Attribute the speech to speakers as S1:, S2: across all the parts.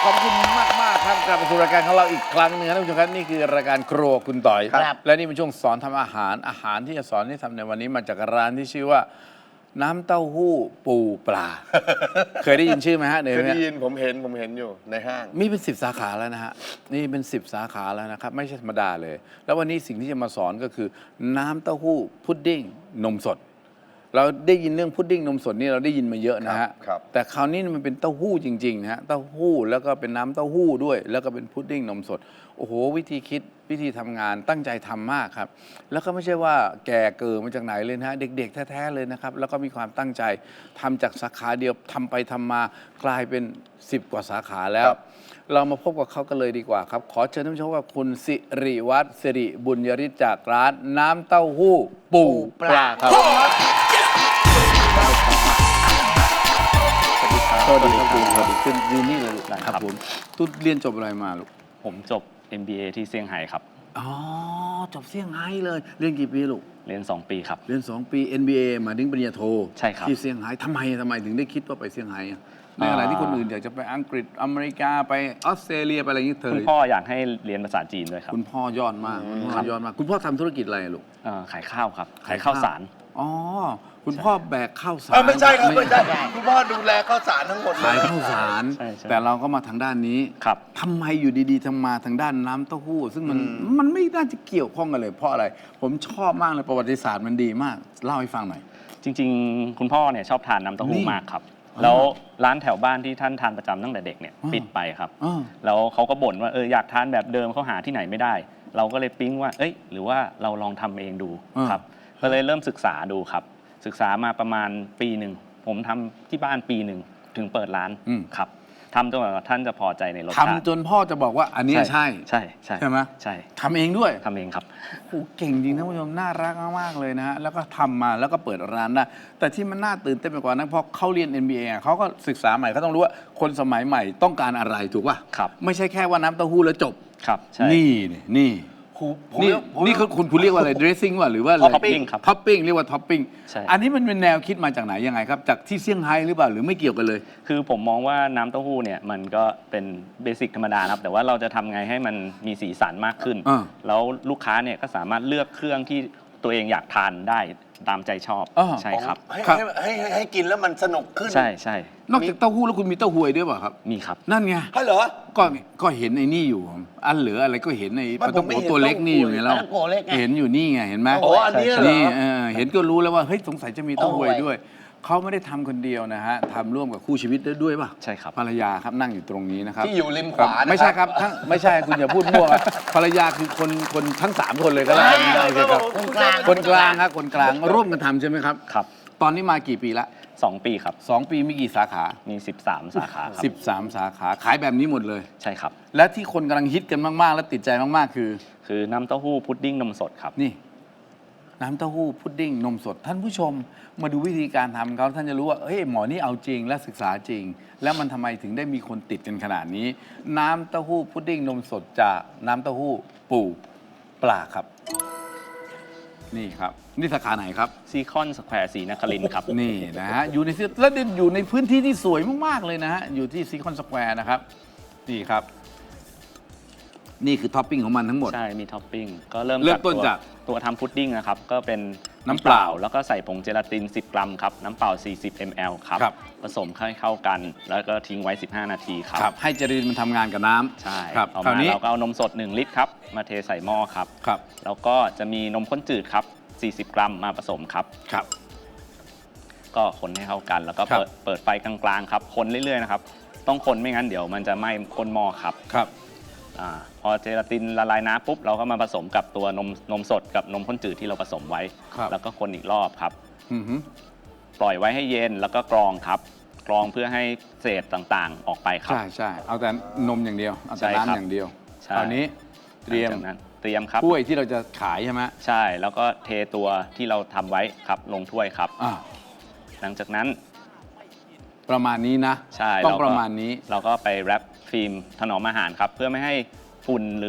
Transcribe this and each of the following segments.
S1: ขอบคุณมากครับกลับมาสู่รายการของเราอีกครั้งหนึงครับท่านผู้ชมครับนี่คือรายการครัวคุณต่อย
S2: ครับ
S1: และนี่เป็นช่วงสอนทำอาหารที่จะสอนที่ทำในวันนี้มาจากร้านที่ชื่อว่า น้ำเต้าหู้ปูปลา เคยได้ยินชื่อไหมฮะ
S2: เคยได้ยินผมเห็นอยู่ในห้าง
S1: มีเป็น10 สาขาแล้วนะฮะนี่เป็น10 สาขาแล้วนะครับไม่ใช่ธรรมดาเลย แล้ววันนี้สิ่งที่จะมาสอนก็คือ น้ำเต้าหู้พุดดิ้งนมสด เราได้ยินเรื่องพุดดิ้งนมสดนี่เราได้ยินมาเยอะนะฮะ
S2: ครับ
S1: แต่คราวนี้มันเป็นเต้าหู้จริงๆนะฮะเต้าหู้แล้วก็เป็นน้ำเต้าหู้ด้วย แล้วก็เป็นพุดดิ้งนมสดโอ้โหวิธีคิดวิธีทำงานตั้งใจทำมากครับแล้วก็ไม่ใช่ว่าแก่เกิดมาจากไหนเลยนะฮะเด็กๆแท้ๆเลยนะครับแล้วก็มีความตั้งใจทำจากสาขาเดียวทำไปทำมากลายเป็น10 กว่าสาขาแล้ว เรามาพบกับเขากันเลยดีกว่าครับ ขอเชิญท่านผู้ชมว่าคุณสิริวัฒน์สิริบุญยริศจากร้านน้ำเต้าหู้ปูปลาครับสวัสดีครับคุณสวัสดีคุณยืนนี่เลยครับผมตุ๊ดเรียนจบอะไรมาลูก
S3: ผมจบ MBA ที่เซี่ยงไฮ้ครับ
S1: อ๋อจบเซี่ยงไฮ้เลยเรียนกี่ปีลูก
S3: เรียน 2 ปีครับ
S1: เรียน2 ปี NBA มาถึงปริญญาโท
S3: ใช่ครับ
S1: ที่เซี่ยงไฮ้ทำไมถึงได้คิดว่าไปเซี่ยงไฮ้อะในขณะที่คนอื่นอยากจะไปอังกฤษอเมริกาไปออสเตรเลียไปอะไรอย่างนี้เธอ
S3: คุณพ่ออยากให้เรียนภาษาจีนด้วยครับ
S1: คุณพ่อยอดมากคุณพ่อยอดมากคุณพ่อทำธุรกิจอะไรอะลูก
S3: ขายข้าวครับ ขายข้าวสาร
S1: อ๋อ คุณพ่อแบกข้าวสาร
S2: ไม่ใช่ครับไม่ใช่คุณพ่อดูแลข้าวสารทั้งหมดเล
S1: ขาย
S2: ย
S1: ข้าวสาร
S3: ใช่
S1: แต่เราก็มาทางด้านนี้
S3: ครับ
S1: ทำไมอยู่ดีๆทำมาทางด้านน้ำเต้าหู้ ซึ่งมันไม่น่าจะเกี่ยวข้องกันเลยเพราะอะไร ผมชอบมากเลยประวัติศาสตร์มันดีมาก เล่าให้ฟังหน่อย
S3: จริงๆ คุณพ่อเนี่ยชอบทานน้ำเต้าหู้
S1: นี่
S3: มากครับ แล้วร้านแถวบ้านที่ท่านทานประจำตั้งแต่เด็กเนี่ย
S1: อ่า
S3: ปิดไปครับ
S1: อ่า
S3: แล้วเขาก็บ่นว่าอยากทานแบบเดิมเขาหาที่ไหนไม่ได้ เราก็เลยปิ๊งว่าหรือว่าเราลองทำเองดูครับ ก็เลยเริ่มศึกษาดูครับ ศึกษามาประมาณปีหนึ่งผมทำที่บ้านปีหนึ่งถึงเปิดร้านครับทำจนกว่าท่านจะพอใจในรสชาติ
S1: ทำจนพ่อจะบอกว่าอันเนี้ยใช่
S3: ใช่ใช่
S1: ใช่ไหม
S3: ใช่
S1: ทำเองด้วย
S3: ทำเองครับ
S1: โอ้เก่งจริงท่านผู้ชมน่ารักมากๆเลยนะฮะแล้วก็ทำมาแล้วก็เปิดร้านได้แต่ที่มันน่าตื่นเต้นไปกว่านั้นเพราะเขาเรียน MBA อ่ะเขาก็ศึกษาใหม่เขาต้องรู้ว่าคนสมัยใหม่ต้องการอะไรถูกป่ะ
S3: ครับ
S1: ไม่ใช่แค่ว่าน้ำเต้าหู้แล้วจบ
S3: ครับใช่
S1: นี่นี่คุณเรียกว่าอะไร dressing ว่าหรือว่าอะไร
S3: Topping ครับ
S1: ท็อปปิ้งเรียกว่าท็อปปิ้ง
S3: ใช่
S1: อันนี้มันเป็นแนวคิดมาจากไหนยังไงครับ จากที่เซี่ยงไฮ้หรือเปล่าหรือไม่เกี่ยวกันเลย
S3: คือผมมองว่าน้ำเต้าหู้เนี่ยมันก็เป็นเบสิกธรรมดาครับ แต่ว่าเราจะทำไงให้มันมีสีสันมากขึ้น แล้วลูกค้าเนี่ยก็สามารถเลือกเครื่องที่ตัวเองอยากทานได้ตามใจชอบใช่ครับ
S2: ให้กินแล้วมันสนุกขึ้น
S3: ใช่ใช่
S1: นอกจากเต้าหู้แล้วคุณมีเต้าหวยด้วยเปล่าครับ
S3: มีครับ
S1: นั่นไง
S2: ให้เหรอ
S1: ก็เห็นไอ้นี่อยู่ อันเหลืออะไรก็เห็นใน
S2: ไม่
S1: ปลาต้อง
S2: ผมไม่
S1: โก
S2: เห็น
S1: ตัวเล็กนี่อยู่ไงแล้ว
S4: ปลาท่องโกเล็กไง
S1: เห็นอยู่นี่ไงเห็นไหม
S2: โอ้อันนี้เหรอ
S1: นี่เห็นก็รู้แล้วว่าเฮ้ยสงสัยจะมีเต้าหวยด้วยเขาไม่ได้ทำคนเดียวนะฮะทำร่วมกับคู่ชีวิตด้วยป่ะ
S3: ใช่ครับ
S1: ภรรยาครับนั่งอยู่ตรงนี้นะครับ
S2: ที่อยู่ริมขวา
S1: ไม่ใช่ครับไม่ใช่คุณอย่าพูดมั่วครับภรรยาคือคนทั้ง3 คนเลยก็แล้วกันได้สิครับ
S4: คนกลาง
S1: คนกลางครับคนกลางร่วมกันทำใช่ไหมครับ
S3: ครับ
S1: ตอนนี้มากี่ปีละ
S3: 2 ปีครับ
S1: 2 ปีมีกี่สาขา
S3: มี 13 สาขาครับ
S1: 13 สาขาขายแบบนี้หมดเลย
S3: ใช่ครับ
S1: และที่คนกำลังฮิตกันมากๆ และติดใจมากๆ คือ
S3: น้ำเต้าหู้พุดดิ้งนมสดครับ
S1: นี่ น้ำเต้าหู้พุดดิ้งนมสด ท่านผู้ชมมาดูวิธีการทำเขาท่านจะรู้ว่าเฮ้ยหมอนี่เอาจริงและศึกษาจริง แล้วมันทำไมถึงได้มีคนติดกันขนาดนี้ น้ำเต้าหู้พุดดิ้งนมสดจากน้ำเต้าหู้ปูปลาครับ นี่ครับนี่สาขาไหนครับ
S3: ซีคอนสแควร์ศรีนครินทร์ครับ
S1: นี่นะฮะอยู่ในแล้วอยู่ในพื้นที่ที่สวยมากๆเลยนะฮะอยู่ที่ซีคอนสแควร์นะครับนี่ครับ นี่คือท็อปปิ้งของมันทั้งหมด
S3: ใช่ มีท็อปปิ้ง ก็เริ่ม
S1: เริ่มต้นจาก
S3: ตัวทำพุดดิ้งนะครับ ก็เป็น
S1: น้ำเปล่า
S3: แล้วก็ใส่ผงเจลาติน 10 กรัมครับ น้ำเปล่า 40 ml ครับ
S1: ครับ
S3: ผสมให้เข้ากัน แล้วก็ทิ้งไว้ 15 นาทีครับ
S1: ครับให้เจลาตินมันทำงานกับน้ำ
S3: ใช่
S1: ครับ
S3: ต่อ
S1: คราว
S3: มา
S1: นี้
S3: เราก็เอานมสด 1 ลิตรครับ มาเทใส่หม้อครับ
S1: ครับ
S3: แล้วก็จะมีนมข้นจืดครับ 40 กรัมมาผสมครับ
S1: ครับ
S3: ก็คนให้เข้ากัน แล้วก็
S1: ครับ
S3: เปิดไฟกลางๆครับ คนเรื่อยๆนะครับ ต้องคนไม่งั้นเดี๋ยวมันจะไหม้ข้นหม้อครับ
S1: ครับ
S3: พอเจลาตินละลายน้ำปุ๊บเราก็มาผสมกับตัวนมสดกับนมข้นจืดที่เราผสมไว้
S1: ครับ
S3: แล้วก็คนอีกรอบครับ
S1: อือหือ
S3: ปล่อยไว้ให้เย็นแล้วก็กรองครับ กรองเพื่อให้เศษต่างๆออกไปครับ
S1: ใช่ใช่เอาแต่นมอย่างเดียวเอาแต่
S3: ใช่ครับ
S1: น้ำอย่างเดียว
S3: ใช่
S1: คราวนี้เตรียม
S3: หลังจากนั้นเตรียมครับ
S1: ถ้วยที่เราจะขายใช่ไหม
S3: ใช่แล้วก็เทตัวที่เราทำไว้ครับลงถ้วยครับ
S1: อ่า
S3: หลังจากนั้น
S1: ประมาณนี้นะ
S3: ใช่
S1: ต้อง
S3: เก็
S1: ประมาณนี้
S3: เราก็ไปแรปฟิล์มถนอมอาหารครับ เพื่อไม่ให้ฝุ่นหรือ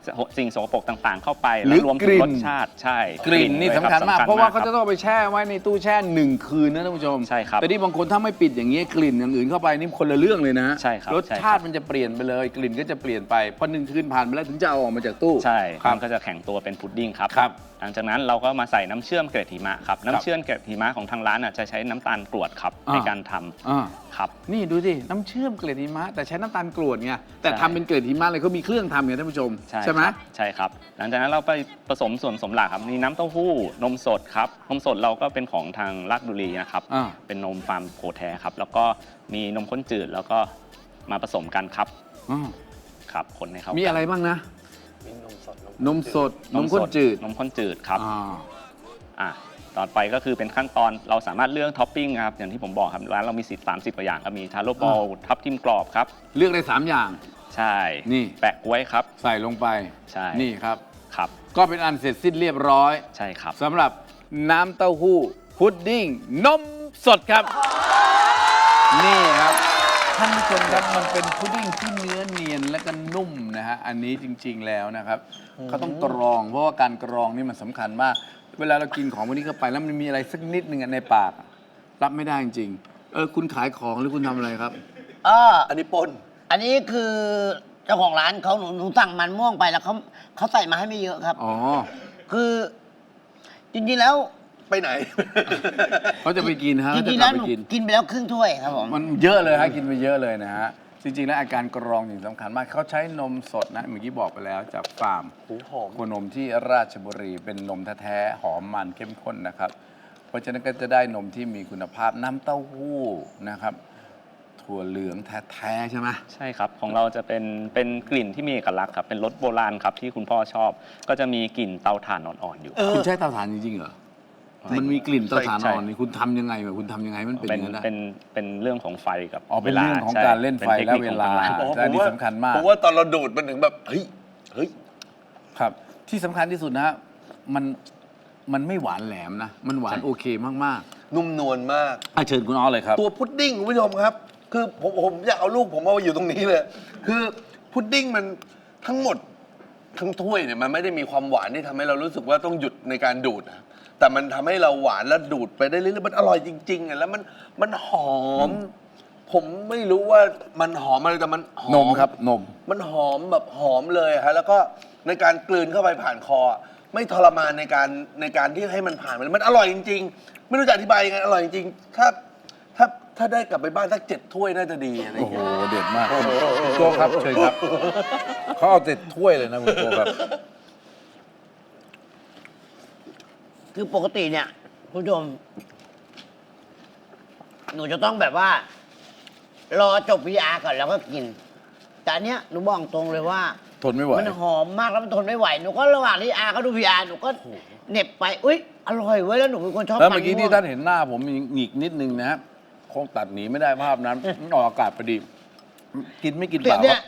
S3: สิ่งสกปรกต่างๆ เข้าไป
S1: หรื
S3: แล้
S1: อ
S3: วรวม
S1: ก
S3: ถึ
S1: ลิ่
S3: ง
S1: น
S3: รสชาติใช่
S1: กลิ่นนี่
S3: ด้วย
S1: สำคัญมาก
S3: บ
S1: เพราะว่าเขา
S3: ค
S1: จะ
S3: บ
S1: ต้องเอาไปแช่ไว้ในตู้แช่1 คืนนะท่านผู้ชม
S3: ใช่ครับ
S1: แต่ที่บางคนถ้าไม่ปิดอย่างนี้ยกลิ่นอย่างอื่นเข้าไปนี่คนละเรื่องเลยนะ
S3: ใช่ครับ
S1: รสชาติมันจะเปลี่ยนไปเลย กลิ่นก็จะเปลี่ยนไปพอ1 คืนผ่านไปแล้วถึงจะเอาออกมาจากตู้
S3: ใช่
S1: ครับ
S3: มันก็จะแข็งตัวเป็นพุดดิ้งครับ
S1: ครับ
S3: หลังจากนั้นเราก็มาใส่น้ำเชื่อมเกล็ดหิมะครับน้ำเชื่อมเกล็ดหิมะของทางร้านจะใช้น้ำตาลกรวดครับ
S1: อ่า
S3: ในการทำ
S1: อ่า
S3: ครับ
S1: นี่ดูสิน้ำเชื่อมเกล็ดหิมะแต่ใช้น้ำตาลกรวดไงแต่
S3: ใช่
S1: ทำเป็นเกล็ดหิมะเลยเขามีเครื่องทำไงท่านผู้ชมใช่ไหม
S3: ครับใช่ครับ หลังจากนั้นเราไปผสมส่วนผสมหลักครับมีน้ำเต้าหู้นมสดครับนมสดเราก็เป็นของทางราชบุรีนะครับ
S1: อ่า
S3: เป็นนมฟาร์มโคแท้ครับแล้วก็มีนมข้นจืดแล้วก็มาผสมกันครับ
S1: อ่า
S3: ครับคนให้เขา
S1: มี
S3: มี
S1: อะไรบ้างนะ
S2: มีนมสด
S1: นมสดนมข้นจืด
S3: นมข้นจืดครับ
S1: อ่า
S3: อ่ะต่อไปก็คือเป็นขั้นตอนเราสามารถเลือกท็อปปิ้งครับอย่างที่ผมบอกครับร้านเรามี30 กว่าอย่างก็มีทาโร่บอลทับทิมกรอบครับ
S1: เลือกได้3 อย่าง
S3: ใช่
S1: นี่
S3: แปะกล้วยครับ
S1: ใส่ลงไป
S3: ใช่
S1: นี่ครับ
S3: ครับ
S1: ก็เป็นอันเสร็จสิ้นเรียบร้อย
S3: ใช่ครับ
S1: สำหรับน้ำเต้าหู้พุดดิ้งนมสดครับ นี่ครับท่านผู้ชมครับมันเป็นพุดดิ้งที่เนื้อเนียนและก็นุ่มนะฮะอันนี้จริง ๆแล้วนะครับเขาต้องกรอง เพราะว่าการกรองนี่มันสำคัญมาก เวลาเรากินของพวกนี้เข้าไปแล้วมันมีอะไรสักนิดหนึ่งในปาก รับไม่ได้จริงๆคุณขายของหรือคุณทำอะไรครับ
S2: อันนี้ปน
S4: อันนี้คือเจ้าของร้านเขาหนูสั่งมันม่วงไปแล้วเขาใส่มาให้ไม่เยอะครับ
S1: อ๋อ
S4: คือจริงๆแล้ว
S2: ไปไหน
S1: เขาจะไปกินฮะ
S4: จ
S1: เขาจะ
S4: ริงๆ
S1: กลั
S4: แล้
S1: บ
S4: ว
S1: ไป
S4: หนู
S1: กิน
S4: กินไปแล้วครึ่งถ้วยครับผม
S1: มันเยอะเลยฮะกินไปเยอะเลยนะฮะจริงๆแล้วอาการกรองอย่างสำคัญมากเขาใช้นมสดนะเมื่อกี้บอกไปแล้วจากฟาร์ม
S2: หูหอม
S1: โคนมที่ราชบุรีเป็นนมแท้ๆหอมมันเข้มข้นนะครับ เพราะฉะนั้นก็จะได้นมที่มีคุณภาพน้ำเต้าหู้นะครับ ถั่วเหลืองแท้ๆใช่ไหม
S3: ใช่ครับของเราจะเป็นกลิ่นที่มีเอกลักษณ์ครับเป็นรสโบราณครับที่คุณพ่อชอบ ก็จะมีกลิ่นเตาถ่านอ่อนๆอยู่
S1: คุณใช้เตาถ่านจริงๆเหรอมันมีกลิ่นเตาถ่าน
S3: ใช่
S1: อ่อนนี่คุณทำยังไงคุณทำยังไงให้มันเป็นอย่างนั้นได้
S3: เป็นเรื่องของไฟกับ
S1: อ๋อเป็น
S3: วลา
S1: เรื่องของ
S3: ใช่
S1: การเล่นไฟ
S3: ป็ทค
S1: และ
S3: ค
S1: เว
S3: ของ
S1: ลา
S3: ทงร้น
S1: และอันนี้สำคัญมาก
S2: ผมว่าตอนเราดูดมันถึงแบบ เฮ้ย
S1: ครับ ที่สำคัญที่สุดนะฮะมันไม่หวานแหลมนะ มันหวานโอเคมาก
S2: นุ่มนวลมาก
S1: ๆเชิญคุณอ้อเลยครับ
S2: ตัวพุดดิ้งคุณผู้ชมครับ คือผมอยากเอาลูกผมมาอยู่ตรงนี้เลย คือพุดดิ้งมันทั้งหมดทั้งถ้วยเนี่ยมันไม่ได้มีความหวานที่ทำให้เรารู้สึกว่าต้องหยุดในการดูดนะแต่มันทำให้เราหวานแล้วดูดไปได้เรื่อยๆมันอร่อยจริงๆอ่ะแล้วมันหอม ผมไม่รู้ว่ามันหอมอะไรแต่มันหอม
S1: นมครับนม
S2: มันหอมแบบหอมเลยฮะแล้วก็ในการกลืนเข้าไปผ่านคออะไม่ทรมานในการที่ให้มันผ่านมันอร่อยจริง ๆ ไม่รู้จะอธิบายยังไงอร่อยจริงๆถ้าได้กลับไปบ้านสัก7 ถ้วยน่าจะดีอะไรอ
S1: โอ้
S2: ย่าง
S1: โห
S2: เงี้ย
S1: เด็ดมากคุณโก้ครับเชิญครับเขาเอา7 ถ้วยเลยนะคุณโก้ครับ
S4: คือปกติเนี่ยคุณผู้ชม หนูจะต้องแบบว่า รอจบ VR ก่อนแล้วก็กิน แต่อันเนี้ยหนูบอกตรงเลยว่า
S1: ทนไม่ไหว
S4: มันหอมมากแล้วมันทนไม่ไหวหนูก็ระหว่างที่อาเขาดู VR หนูก็เหน็บไปอุ้ยอร่อยเว้ยแล้วหนูเป็นคนชอบ
S1: แล้วเมื่อกี้
S4: มัน
S1: ที่
S4: ม่วง
S1: ท่านเห็นหน้าผมมีหงิกนิดนึงนะฮะคงตัดหนีไม่ได้ภาพนั้นออกอากาศพอดี กินไม่กินเปล่าค
S4: เนี่
S1: รั
S4: ย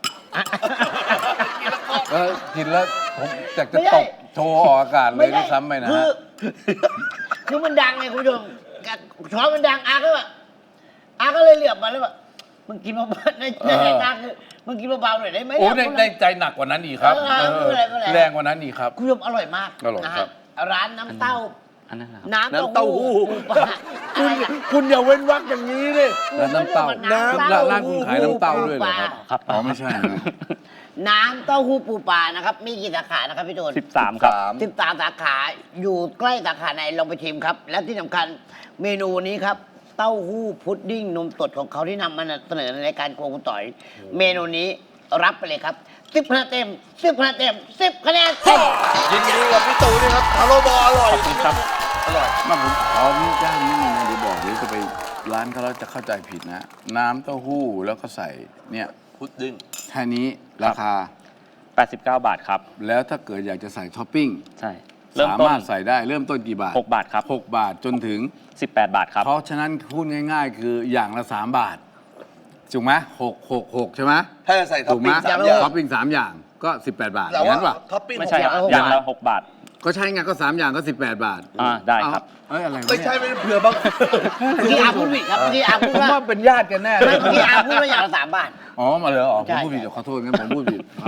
S1: บกินแล้วผมอยากจะ
S4: ไม่
S1: ต
S4: ได้
S1: บโชว์ออกอากาศเลยด้วยซ้ำไปนะ
S4: คือ
S1: ฮะ
S4: คือมันดังไงคุณผู้ชมช้อนมันดังอาก็แบบอาก็เลยเหลือบมาแล้วแบบมึงกินเบาๆในสายตาคือมึงกินเบาๆหน่อยได้ไหม
S1: โอ้
S4: เนี่ย
S1: ได้ใจหนักกว่านั้นอีกครับ
S4: ไม่เป็นไรไม่เป็นไร
S1: แรงกว่านั้นอีกครับ
S4: คุณผู้ชมอร่อยมาก
S1: อร่อย
S4: นะ
S1: ครั
S4: ฮะ
S1: บ
S4: ร้านน้ำเต้า
S3: อันนั้นนะครับ
S4: น้ำ
S2: น้ำเต้าหู้
S4: ปูปลาอะไรอะ
S2: คุณอย่าเว้นวรรคอย่างนี้เลย
S1: แล้วน้ำเต้า
S4: น้ำเต้า
S1: ร้านคุณขายน้ำเต้าด้วยเหรอครับ
S3: ครับ
S1: อ๋อไม่ใช่นะ
S4: น้ำเต้าหู้ปูปลานะครับมีกี่สาขานะครับพี่ตูน
S3: 13 ครับ
S4: 13 สาขาอยู่ใกล้สาขาไหนลองไปชิมครับ และที่สำคัญเมนูนี้ครับ เต้าหู้พุดดิ้งนมสดของเขาที่นำมาเสนอในรายการโครัวคุณต่อย เมนูนี้รับไปเลยครับ10 คะแนนเต็ม10 คะแนนเต็ม10 คะแนนเต็ม
S2: ยินดีกับพี่ตูนด้วยครับทาโร่บอลอร่อย
S3: ขอบคุณครับ
S2: อร่อย
S1: มาผมขอนี่ย่างนิดนึงนะเดี๋ยวบอกเดี๋ยวจะไปร้านเขาแล้วจะเข้าใจผิดนะ น้ำเต้าหู้แล้วก็ใส่เนี่ย
S2: พุดดิ้ง
S1: แค่นี้ราคา
S3: 89 บาทครับ
S1: แล้วถ้าเกิดอยากจะใส่ท็อปปิ้ง
S3: ใช่เริ่ม
S1: สา
S3: ต้น
S1: มารถใส่ได้เริ่มต้นกี่บาท
S3: 6 บาทครับ
S1: 6 บาทจนถึง
S3: 18 บาทครับ
S1: เพราะฉะนั้นพูดง่ายๆ คืออย่างละ 3 บาทถูกไหม6 ใช่ไหม
S2: ถ้าจะใส่ท็อ
S1: ถู
S2: ป
S1: กไหม
S2: ปิ้ง3 อย่าง
S1: ท็อปปิ้ง3 อย่างก็ 18 บาทอ
S2: แต่
S1: ย่าง
S2: ว่า
S1: นั้นป่ะ
S2: ท็อปปิ้ง
S3: ไม่ใช่ครับ
S4: 6
S3: อย่างละ 6 บาท
S1: ก็ใช่ไงก็ 3 อย่างก็ 18 บาท
S3: ได้ครับ
S1: เอ้ยอะไรวะ
S2: ไม่
S1: เนี่ย
S2: ใช่ไม่ได้เผื่อบาง
S4: เมื่อกี้อาพูดผิดครับเมื่อกี้อาพูด
S1: ผม
S4: ว่า
S1: ว่าเป็นญาติกันแน่เล
S4: ไม่
S1: ย
S4: เมื่อกี้อาพูดว่าอย่างละ3 บาท
S1: อ๋อมาเลยเหรอผ
S4: ใช่
S1: มพูดผิด
S4: ใช่
S1: ขอโทษงั้นผมพูดผิดครับ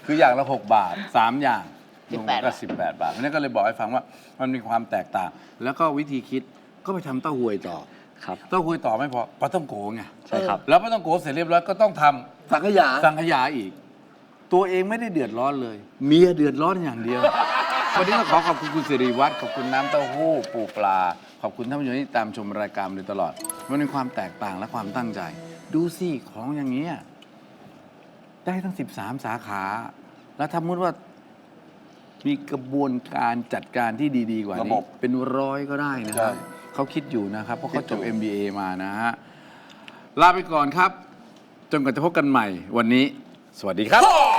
S1: คืออย่างละ 6 บาท 3 อย่าง
S4: 18
S1: รวมก็ 18 บาทเพราะฉะนั้นก็เลยบอกให้ฟังว่ามันมีความแตกต่าง แล้วก็วิธีคิดก็ไปทำเต้าหวยต่อ
S3: ครับ
S1: เต้าหวยต่อไม่พอปลาต้องโกไง
S3: ใช่ครับ
S1: แล้วปลาต้องโกเสร็จเรียบร้อยก็ต้องทำ
S2: สังขยา
S1: สังขยาอีก ตัวเองไม่ได้เดือดร้อนเลย เมียเดือดร้อนอย่างเดียว วันนี้ต้องขอบคุณคุณสิริวัฒน์ขอบคุณน้ำเต้าหู้ปูปลา ขอบคุณท่านผู้ชมที่ตามชมรายการมาโดยตลอด มันเป็นความแตกต่างและความตั้งใจ ดูสิของอย่างนี้ยได้ทั้ง 13 สาขา แล้วถ้ามุติว่ามีกระบวนการจัดการที่ดีๆกว่า
S2: ระ
S1: นี้
S2: บบ
S1: เป็นร้อยก็ได้นะ
S2: ใช่
S1: เขาคิดอยู่นะครับเพราะเขาจบ
S2: คิดอยู่
S1: MBA มานะฮะลาไปก่อนครับ จนกว่าจะพบกันใหม่วันนี้ สวัสดีครับ